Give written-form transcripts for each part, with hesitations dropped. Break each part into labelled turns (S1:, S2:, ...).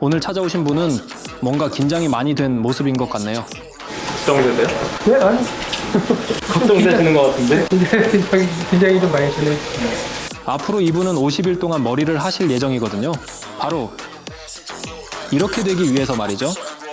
S1: 오늘 찾아오신 분은 뭔가 긴장이 많이 된 모습인 것 같네요.
S2: 걱정되세요?
S3: 네, 아니.
S2: 걱정되시는 것 같은데?
S3: 굉장히 좀 많이 되네.
S1: 앞으로 이분은 50일 동안 머리를 하실 예정이거든요. 바로 이렇게 되기 위해서 말이죠.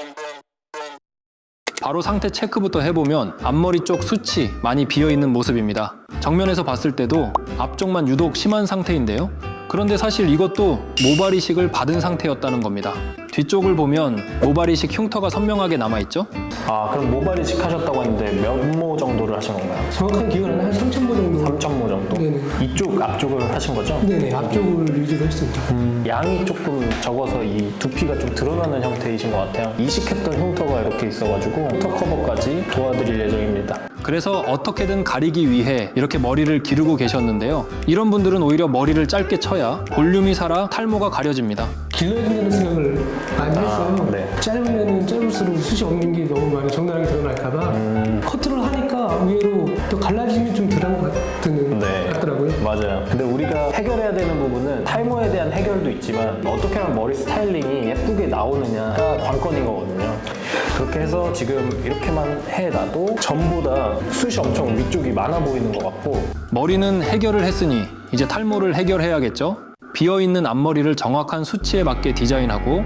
S1: 바로 상태 체크부터 해보면 앞머리 쪽 숱이 많이 비어있는 모습입니다. 정면에서 봤을 때도 앞쪽만 유독 심한 상태인데요. 그런데 사실 이것도 모발 이식을 받은 상태였다는 겁니다. 뒤쪽을 보면 모발 이식 흉터가 선명하게 남아있죠?
S4: 아, 그럼 모발 이식 하셨다고 했는데 몇 모 정도를 하신 건가요?
S3: 정확한 기간은 한 3,000보 정도.
S4: 3,000모 정도?
S3: 네네.
S4: 이쪽, 앞쪽을 하신 거죠?
S3: 네네, 앞쪽을 위주로 했습니다.
S4: 양이 조금 적어서 이 두피가 좀 드러나는 형태이신 것 같아요. 이식했던 흉터가 이렇게 있어가지고 흉터 커버까지 도와드릴 예정입니다.
S1: 그래서 어떻게든 가리기 위해 이렇게 머리를 기르고 계셨는데요. 이런 분들은 오히려 머리를 짧게 쳐야 볼륨이 살아 탈모가 가려집니다.
S3: 길러진다는 생각을 많이 했어요.
S4: 네.
S3: 짧으면 짧을수록 숱이 없는 게 너무 많이 적나라하게 드러날까봐 커트를 하니까 의외로 또 갈라짐이 좀 덜한 것 같더라고요.
S4: 맞아요. 근데 우리가 해결해야 되는 부분은 탈모에 대한 해결도 있지만 어떻게 하면 머리 스타일링이 예쁘게 나오느냐가 관건인 거거든요. 그렇게 해서 지금 이렇게만 해놔도 전보다 숱이 엄청 위쪽이 많아 보이는 것 같고
S1: 머리는 해결을 했으니 이제 탈모를 해결해야겠죠? 비어있는 앞머리를 정확한 수치에 맞게 디자인하고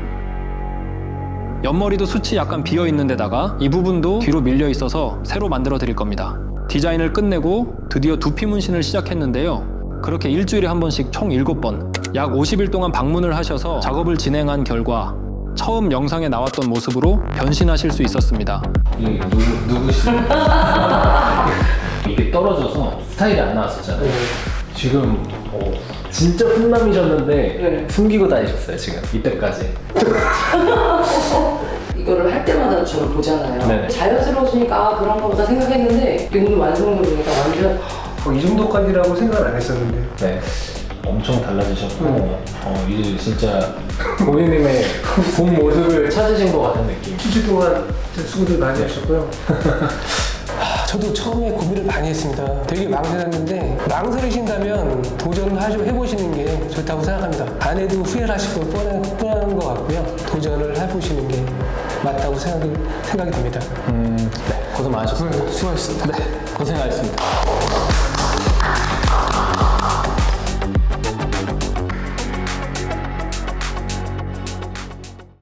S1: 옆머리도 숱이 약간 비어있는 데다가 이 부분도 뒤로 밀려 있어서 새로 만들어 드릴 겁니다. 디자인을 끝내고 드디어 두피 문신을 시작했는데요. 그렇게 일주일에 한 번씩 총 7번 약 50일 동안 방문을 하셔서 작업을 진행한 결과 처음 영상에 나왔던 모습으로 변신하실 수 있었습니다.
S5: 이게 누구시죠? 이게 떨어져서 스타일이 안 나왔었잖아요. 지금 진짜 훈남이셨는데 숨기고 다니셨어요 지금 이때까지.
S6: 이거를 할 때마다 저를 보잖아요.
S4: 네네.
S6: 자연스러워지니까 아, 그런가 보다 생각했는데 오늘 완성을 보니까 완전
S3: 이 정도까지라고 생각을 안 했었는데.
S5: 네. 엄청 달라지셨고 이제 진짜 고객님의 본 모습을 찾으신 것 같은 느낌.
S3: 수주 동안 수고들 많이 하셨고요. 저도 처음에 고민을 많이 했습니다. 되게 망설였는데 망설이신다면 도전을 해보시는 게 좋다고 생각합니다. 안 해도 후회를 하실 거 뻔한 것 같고요. 도전을 해보시는 게 맞다고 생각이 듭니다.
S4: 네, 고생 많으셨습니다.
S3: 수고하셨습니다.
S4: 고생하셨습니다.